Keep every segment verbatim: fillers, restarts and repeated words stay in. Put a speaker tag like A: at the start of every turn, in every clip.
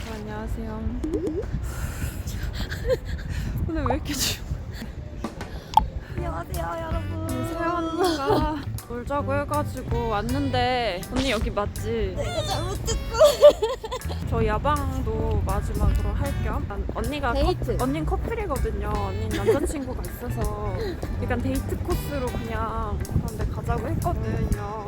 A: 안녕하세요. 오늘 왜 이렇게 추워?
B: 안녕하세요 여러분.
A: 세아 언니가 놀자고 해가지고 왔는데 언니 여기 맞지?
B: 내가 잘못했어.
A: 저 야방도 마지막으로 할 겸 언니가
B: 데이트.
A: 커, 언니는 커플이거든요. 언니는 남자친구가 있어서 약간 데이트 코스로 그냥 그런데 가자고 했거든요.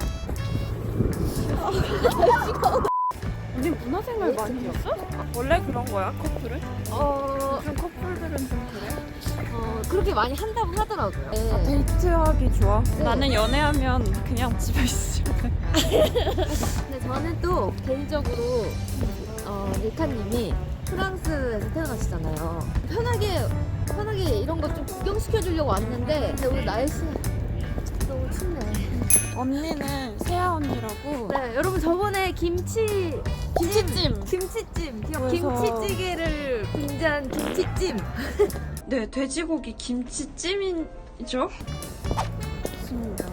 A: 언니 문화생활 많이 했어? 원래 그런 거야 커플은?
B: 어,
A: 요즘 커플들은 좀 그래?
B: 어 그렇게 많이 한다고 하더라고요.
A: 아,
B: 네.
A: 데이트하기 좋아?
B: 네.
A: 나는 연애하면 그냥 집에 있을래.
B: 근데 저는 또 개인적으로 어, 리카님이 프랑스에서 태어나시잖아요. 편하게 편하게 이런 거 좀 구경시켜 주려고 왔는데 근데 오늘 날씨 너무 춥네.
A: 언니는 세아 언니라고.
B: 네, 여러분 저번에 김치
A: 김치찜.
B: 김치찜 기억
A: 그래서-
B: 김치찌개를 빙자한 김치찜.
A: 네, 돼지고기 김치찜이죠? 좋습니다.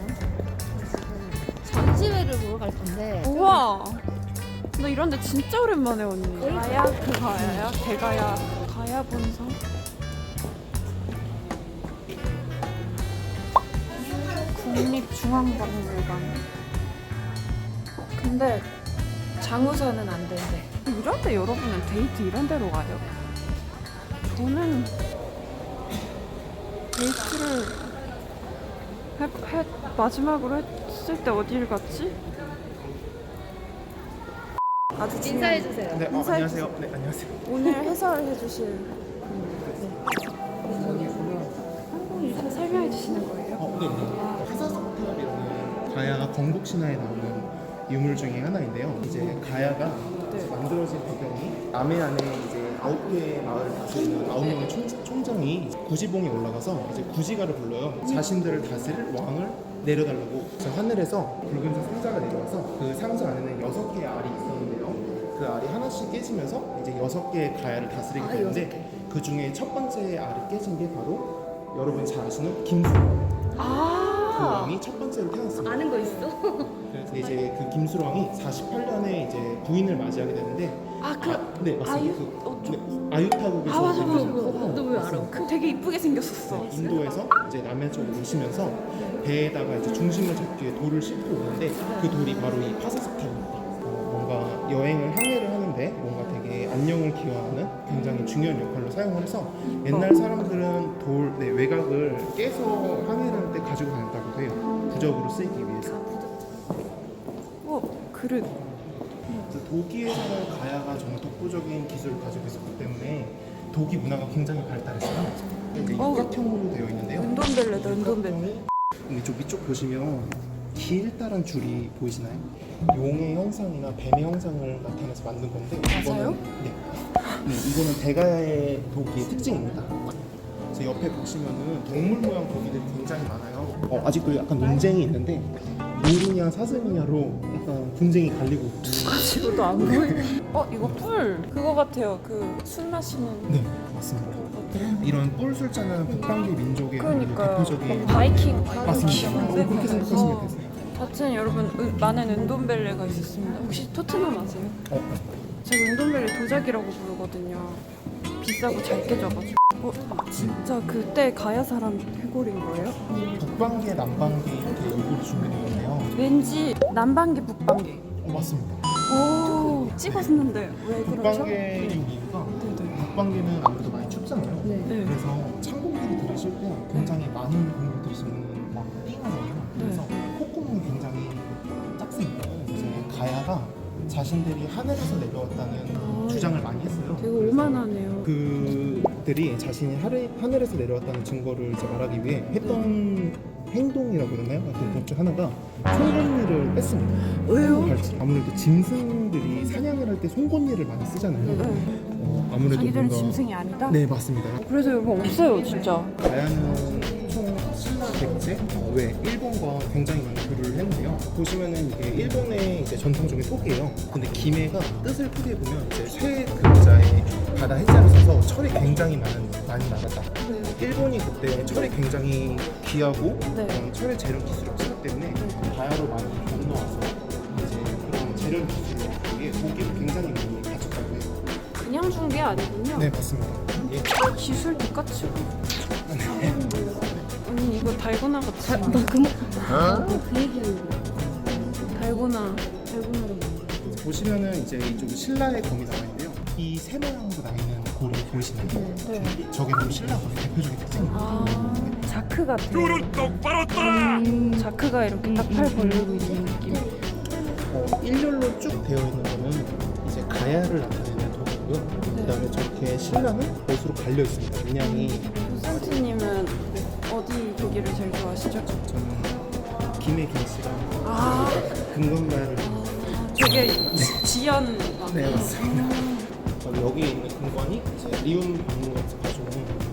B: 전시회를 보러 갈 건데.
A: 우와. 나 이런데 진짜 오랜만에 언니.
B: 거의
A: 가야 그 가야야? 대가야. 가야 본성. 국립중앙박물관. 근데 장우선은 안 된대. 이런데 여러분은 데이트 이런 데로 가요? 저는 데이트를 해, 해, 마지막으로 했을 때 어디를 갔지? 아주 중요한-
B: 인사해 주세요.
C: 네, 어,
A: 인사해
C: 안녕하세요. 네, 안녕하세요.
A: 오늘 해설해 주실 한국인 설명해 주시는 거예요?
C: 어, 네, 네. 하사석탑이라는 가야 건국 신화에 나오는 유물 중에 하나인데요. 이제 가야가
A: 네.
C: 만들어진 배경이 남해안에 이제 아홉 개의 마을을 다스리는 아홉 명의 총, 총장이 구지봉에 올라가서 이제 구지가를 불러요. 자신들을 다스릴 왕을 내려달라고. 저 하늘에서 붉은색 상자가 내려와서 그 상자 안에는 여섯 개의 알이 있었는데요. 그 알이 하나씩 깨지면서 이제 여섯 개의 가야를 다스리게
B: 아,
C: 되는데 그 중에 첫 번째 알이 깨진 게 바로 여러분이 잘 아시는 김수로. 그
A: 아,
C: 왕이 첫 번째로 태어났습니다.
B: 아는 거 있어?
C: 그래서 이제 그 김수로 왕이 사십팔 년에 이제 부인을 맞이하게 되는데
A: 아, 그
C: 네 맞습니다.
A: 아유?
C: 그,
A: 어, 좀-
C: 네, 아유타국에서
A: 아, 맞아, 맞아,
C: 그-
A: 맞아.
C: 어,
B: 너 왜 알아?
C: 맞습니다.
A: 그 되게 이쁘게 생겼었어.
C: 네, 인도에서 이제 남해 쪽으로 오시면서 배에다가 이제 중심을 잡기 위해 돌을 싣고 오는데 그 돌이 바로 이 파사석탑입니다. 어, 뭔가 여행을 항해를 하는데 뭔가 되게 안녕을 기원하는 굉장히 중요한 역할로 사용을 해서 옛날 사람들은 돌 네, 외곽을 깨서 항해를 할 때 가지고 다녔다고 해요. 부적으로 쓰이기 위해서.
A: 어, 그릇.
C: 그래서 독일에서는 가야가 정말 독보적인 기술을 가지고 있었기 때문에 독일 문화가 굉장히 발달했어요. 이제
A: 어우.
C: 육각형으로 되어 있는데요.
A: 은돈벨레다, 은돈벨레.
C: 근데 이쪽 위쪽 보시면 길다란 줄이 보이시나요? 용의 형상이나 뱀의 형상을 나타내서 만든 건데
A: 맞아요?
C: 이거는, 네. 네, 이거는 대가야의 독이의 특징입니다. 그래서 옆에 보시면은 동물 모양 독이들이 굉장히 많아요. 어, 아직도 약간 논쟁이 있는데 노루냐 사슴이냐로 약간 분쟁이 갈리고 있고.
A: 가지고도 안 보이네. 어, 이거 뿔. 그거 같아요. 그 술 마시는.
C: 네, 맞습니다. 이런 뿔 술자는 북방계 민족의
A: 그러니까요.
C: 대표적인
A: 바이킹.
C: 맞습니다. 어, 그렇게 생각하시면 되세요.
A: 하여튼 여러분 은, 많은 은돈벨레가 있었습니다. 혹시 토트넘 아세요?
C: 어,
A: 제가 은돈벨레 도자기라고 부르거든요. 비싸고 잘 깨져가지고. 어, 진짜 그때 가야 사람 해골인 거예요?
C: 북방계, 남방계 이렇게 일부러 준비된 건데요.
A: 왠지 남방계, 북방계.
C: 어, 맞습니다.
A: 오, 찍었는데 왜 그렇죠?
C: 북방계인 이유가
A: 네네.
C: 북방계는 아무래도 많이 춥잖아요.
B: 네.
A: 네.
C: 그래서 찬공기를 들이실 때 굉장히 많은 공기를 들이시면 막 띵하거든요. 그래서 콧구멍이 굉장히 작습니다. 이제 가야가 자신들이 하늘에서 내려왔다는
A: 아,
C: 주장을 많이 했어요.
A: 되게
C: 그래서
A: 오만하네요.
C: 그들이 자신이 하늘, 하늘에서 내려왔다는 증거를 이제 말하기 위해 했던 행동이라고 그러나요? 하여튼 그것 중 하나가 송곳니를 뺐습니다.
A: 왜요?
C: 발치. 아무래도 짐승들이 사냥을 할 때 송곳니를 많이 쓰잖아요.
A: 네.
C: 어, 아무래도
A: 자기들은
C: 뭔가-
A: 짐승이 아니다?
C: 네 맞습니다.
A: 그래서 여러분 없어요 진짜.
C: 가야는 총 신라 백제 어, 외 일본과 굉장히 많은 교류를 했는데요. 보시면은 이게 일본의 이제 전통적인 토기예요. 근데 김해가 뜻을 토기해 보면 이제 쇠 글자에 바다 해자를 써서 철이 굉장히 많은 많이 나갔다.
A: 네.
C: 일본이 그때 철이 굉장히 귀하고
A: 네.
C: 그런 철의 재련 기술이 없었기 때문에 가야로 많이 건너와서 이제 그런 재련 기술에 독일을 굉장히 많이 가졌다고 해요.
A: 아니군요.
C: 네 맞습니다. 이게
A: 기술 똑같이. 언니 이거 달고나 같이.
B: 나 그, 어? 그 얘기하려고.
A: 달고나.
B: 달고나를
C: 보시면은 이제 이쪽에 신라의 검이 나와 있는데요. 이 세 모양으로 나 있는 고리 보이시나요?
A: 네.
C: 저게 바로 신라 검의 대표적인 특징입니다.
A: 아, 자크 같아. 음, 자크가 이렇게 딱 팔 벌리고 있는 느낌.
C: 어, 일렬로 쭉 되어 있는 거는 이제 가야를 나타내는 도구고요. 그다음에 저렇게 신라는 못으로 갈려 있습니다. 문양이.
A: 도센트님은 어디 고기를 제일 좋아하시죠?
C: 저는 김의 김씨랑
A: 아,
C: 금강가야를
A: 저게 지연.
C: 네 맞습니다. 그리고 여기에 있는 금관이 이제 리움 박물관에서 가져온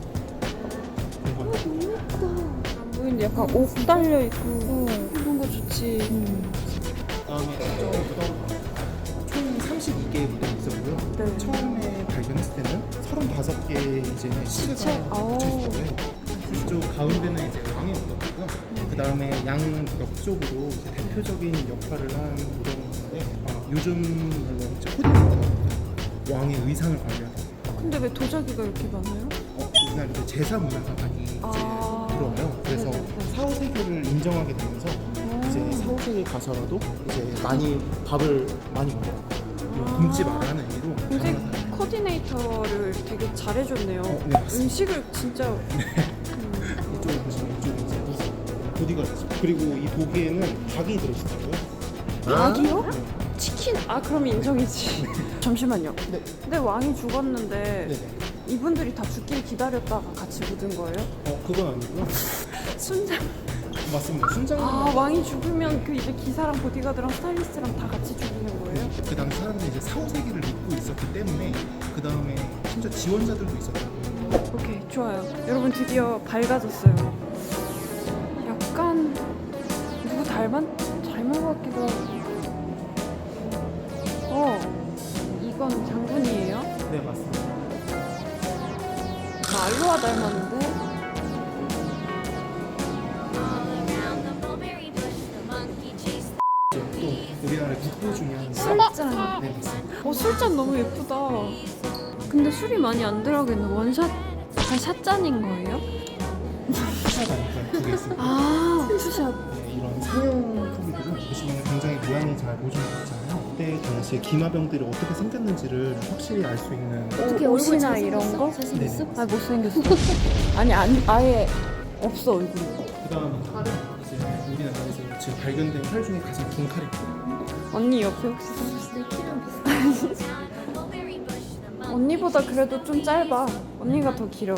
C: 금관.
A: 안 보이는데 약간 옥 달려 있고 그런 거 좋지.
C: 그다음에 특정 무덤 총 삼십이 개의 무덤이 있었고요.
A: 네.
C: 처음에 발견했을 때는 서른다섯 개의 이제
A: 시체?
C: 시체가
A: 아오.
C: 묻혀 있었고요. 이쪽 가운데는 이제 왕의 무덤이고요. 그 다음에 양 옆쪽으로 이제 대표적인 역할을 한 무덤이 있는데 어, 요즘 물론 이제 코디네이터 왕의 의상을 관리하는.
A: 근데 왜 도자기가 이렇게 많아요?
C: 어, 우리나라 이제 제사 문화가 많이 이제
A: 아.
C: 들어와요. 그래서
A: 네, 네, 네.
C: 사, 오 세기를 인정하게 되면서 이제 사, 오 세기 가서라도 이제 많이 밥을 많이 먹어요.
A: 아.
C: 굶지 마라 하는 의미로
A: 굉장히
C: 가능하다.
A: 코디네이터를 되게 잘해줬네요.
C: 어, 네, 맞습니다.
A: 음식을 진짜. 음,
C: 이쪽에 보시면 이쪽에 이제 무슨 보디가 있어요. 그리고 이 도기에는 닭이 들어있더라고요.
A: 닭이요?
C: 네.
A: 치킨? 아 그럼 인정이지. 잠시만요.
C: 네.
A: 근데 왕이 죽었는데
C: 네네.
A: 이분들이 다 죽길 기다렸다가 같이 묻은 거예요?
C: 어 그건 아니고요.
A: 순장.
C: 맞습니다. 순장은
A: 아 왕이 죽으면 그 이제 기사랑 보디가드랑 스타일리스트랑 다 같이 죽이는 거예요?
C: 그 당시 사람들이 이제 사, 오 세기를 믿고 있었기 때문에 그 다음에 심지어 지원자들도 있었다고요.
A: 오케이 좋아요. 여러분 드디어 밝아졌어요. 약간 누구 닮은 닮은 것 같기도 하고. 어 이건 장군이에요?
C: 네 맞습니다.
A: 알로하 닮았는데?
C: 또 우리나라의 국보 중에 한
A: 술잔.
C: 네 맞습니다.
A: 어 술잔 너무 예쁘다. 근데 술이 많이 안 들어가 있는 원샷 다 샷잔인 거예요?
C: 투샷 아닐까요? 두개 있습니다.
A: 아 투샷.
C: 네, 이런 상형 토기들은 보시면 굉장히 모양이 잘 보존되어 있잖아요. 그때 당시에 기마병들이 어떻게 생겼는지를 확실히 알 수 있는
B: 어떻게
A: 옷이나
B: 얼굴
A: 이런 거?
B: 잘생겼어?
A: 아 못생겼어. 아니 아니 아예 없어 얼굴이.
C: 그다음 칼은 이제 우리나라에서 지금 발견된 칼 중에 가장 긴 칼이고
A: 언니 옆에 혹시 서
B: 내 키랑 비슷해.
A: 언니보다 그래도 좀 짧아. 언니가 더 길어.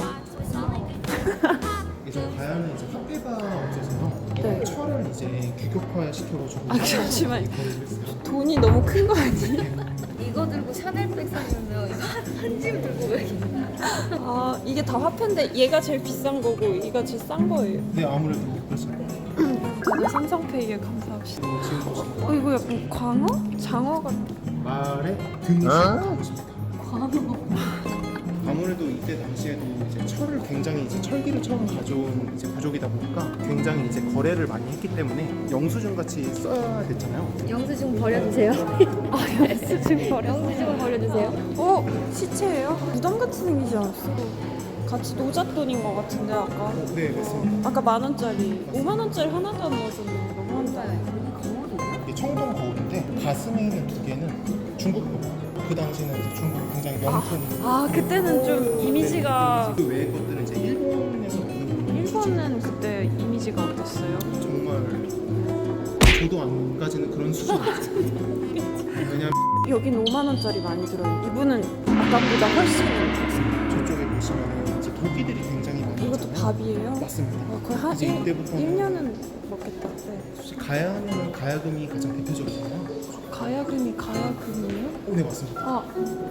C: 예전 가야는 이제 학계가 없어서
A: 네.
C: 철을 이제 규격화 시켜가지고
A: 아, 잠시만요.
C: 거리를 했어요.
A: 돈이 너무 큰 거 아니에요?
B: 이거 들고 샤넬백 사려면 이거 한짐 들고 가야겠다.
A: 아 이게 다 화폐인데 얘가 제일 비싼 거고 얘가 제일 싼 거예요.
C: 네 아무래도 그렇죠.
A: 저도 삼성페이에 감사합시다.
C: 그리고 지금 보시면
A: 어 이거 약간 광어? 장어 같아.
C: 말의 등심 것입니다.
A: 광어.
C: 아무래도 이때 당시에도 이제 철을 굉장히 이제 철기를 처음 가져온 이제 부족이다 보니까 굉장히 이제 거래를 많이 했기 때문에 영수증 같이 써야 됐잖아요.
B: 영수증 버려주세요.
A: 아 영수증 버려.
B: 영수증 버려주세요.
A: 어 시체예요? 무덤 같이 생기지 않았어? 같이 노잣돈인 것 같은데 아까.
C: 어, 네 맞습니다.
A: 아까 만 원짜리, 오만 원짜리 하나도 안 넣어줬는데 너무한다.
C: 이게 청동 거울인데 가슴에 있는 두 개는 중국 거울. 그 당시는 이제 중국 굉장히 명품.
A: 아 그때는 좀 이미지가
C: 그 외의 것들은 이제 일본에서 오는 거예요.
A: 일본은 그때 이미지가 어땠어요?
C: 정말 저도 안 가지는 그런 수준이었어요. 왜냐면
A: 여긴 오만 원짜리 많이 들어요. 이분은 아까보다 훨씬
C: 저쪽에 보시면 이제 도끼들이 굉장히 많이
A: 이것도
C: 있잖아요.
A: 밥이에요?
C: 맞습니다.
A: 어, 거의 한
C: 이제 이때부터는
A: 일 년은 먹겠다. 네.
C: 혹시 가야는 가야금이 가장 대표적이잖아요.
A: 가야금이 가야금이에요?
C: 오, 네 맞습니다.
A: 아.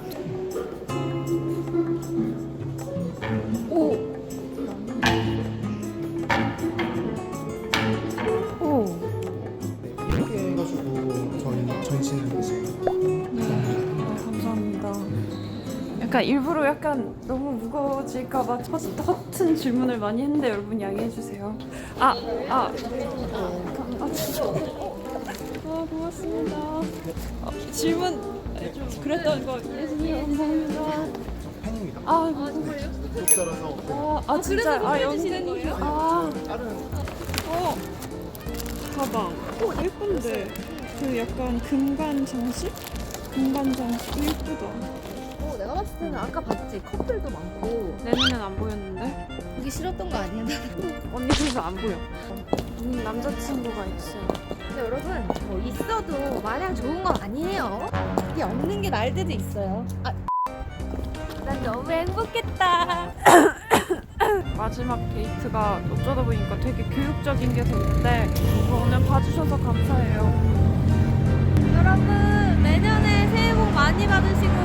A: 오. 오.
C: 네, 이렇게 해가지고 저희 전시는 이제
A: 네. 아, 감사합니다. 약간 일부러 약간 너무 무거워질까봐 허- 허튼 질문을 많이 했는데 여러분 양해해 주세요. 아, 아, 감사합니다. 아, 고맙습니다. 어, 질문 좀 그랬던 거 이해해주세요. 감사합니다.
C: 팬입니다.
A: 아,
B: 아 정말요?
C: 구독자라서
A: 아, 아 진짜
B: 그래서
A: 아
B: 선물해주시는
A: 영진이
B: 거예요?
A: 아
C: 다른
A: 어. 가방. 어, 예쁜데. 그 약간 금관 장식? 금관 장식 예쁘다.
B: 어 내가 봤을 때는 아까 봤지 커플도 많고
A: 내 눈엔 안 보였는데?
B: 보기 싫었던 거 아니야?
A: 언니 그래서 안 보여. 음, 남자친구가 있어요.
B: 근데 여러분 뭐 있어도 마냥 좋은 건 아니에요. 이게 없는 게 나을 때도 있어요. 아, 난 너무 행복했다.
A: 마지막 데이트가 어쩌다 보니까 되게 교육적인 게 됐는데 오늘 봐주셔서 감사해요.
B: 여러분 내년에 새해 복 많이 받으시고